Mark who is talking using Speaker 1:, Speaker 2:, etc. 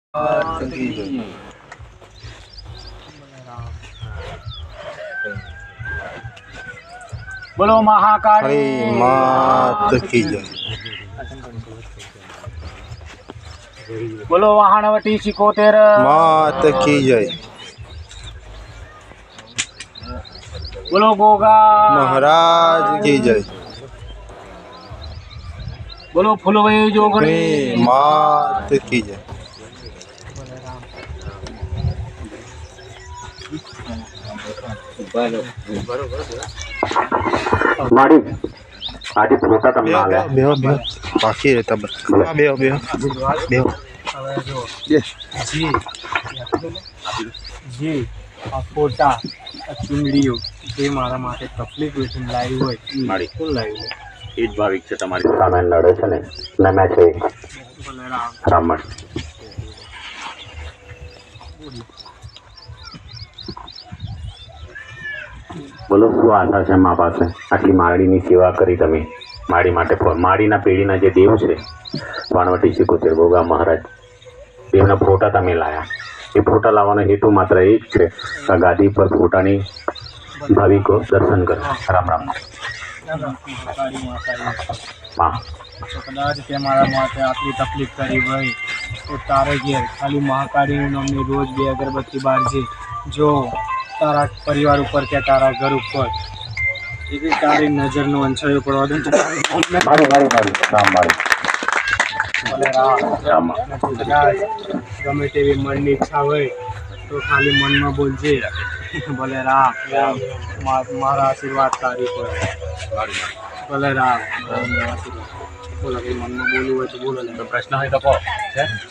Speaker 1: बोलो महाकाली
Speaker 2: मात की जय।
Speaker 1: बोलो वाहनवटी सिकोतेर
Speaker 2: मात की जय।
Speaker 1: बोलो गोगा
Speaker 2: महाराज की जय।
Speaker 1: बोलो फुलवई जोगणी
Speaker 2: मात की जय।
Speaker 3: माड़ी आदि पोता तमने आले
Speaker 2: बेहो बेहो बाकी है तब बेहो बेहो बेहो
Speaker 1: जी आ फोटा आ चुंदड़ीओ जे मारा माटे तकलीफ वेठीने लाव्યું હોય
Speaker 3: माड़ी
Speaker 1: કોણ લાવ્યું
Speaker 3: એ જ ભાવિક છે તમારી સામે લડે છે ને નમે છે
Speaker 1: બલરામ
Speaker 3: રામણ બોલો શું આશા છે મા પાસે આટલી માળીની સેવા કરી તમે માળી માટે માળીના પેઢીના જે દેવ છે વાણવટી સિકોતેર ગોગા મહારાજ દેવના ફોટા તમે લાયા એ ફોટા લાવવાનો હેતુ માત્ર એક છે કે ગાદી પર ફોટાની ભાવિકો દર્શન કરે રામ રામ
Speaker 1: મહાકાળી માતાજી
Speaker 3: માં
Speaker 1: તો કદાચ તે મારા માટે આટલી તકલીફ કરી હોય તો તારે ઘેર ખાલી મહાકાળીનું નામની રોજ 2 અગરબત્તી બાળજે જો તારા પરિવાર ઉપર કે તારા ઘર ઉપર એવી તારી નજરનો અંછાયો પડવા દે તો
Speaker 3: મારી મારી મારી રામ મારી
Speaker 1: ભલે રામ
Speaker 3: રામ
Speaker 1: કદાચ ગમે તેવી મનની ઈચ્છા હોય તો ખાલી મનમાં બોલજે ભલે રામ મારા આશીર્વાદ તારી પર ભલે રામ બોલો કે મનમાં બોલવું હોય તો બોલો.
Speaker 3: પ્રશ્ન હોય તો કહો છે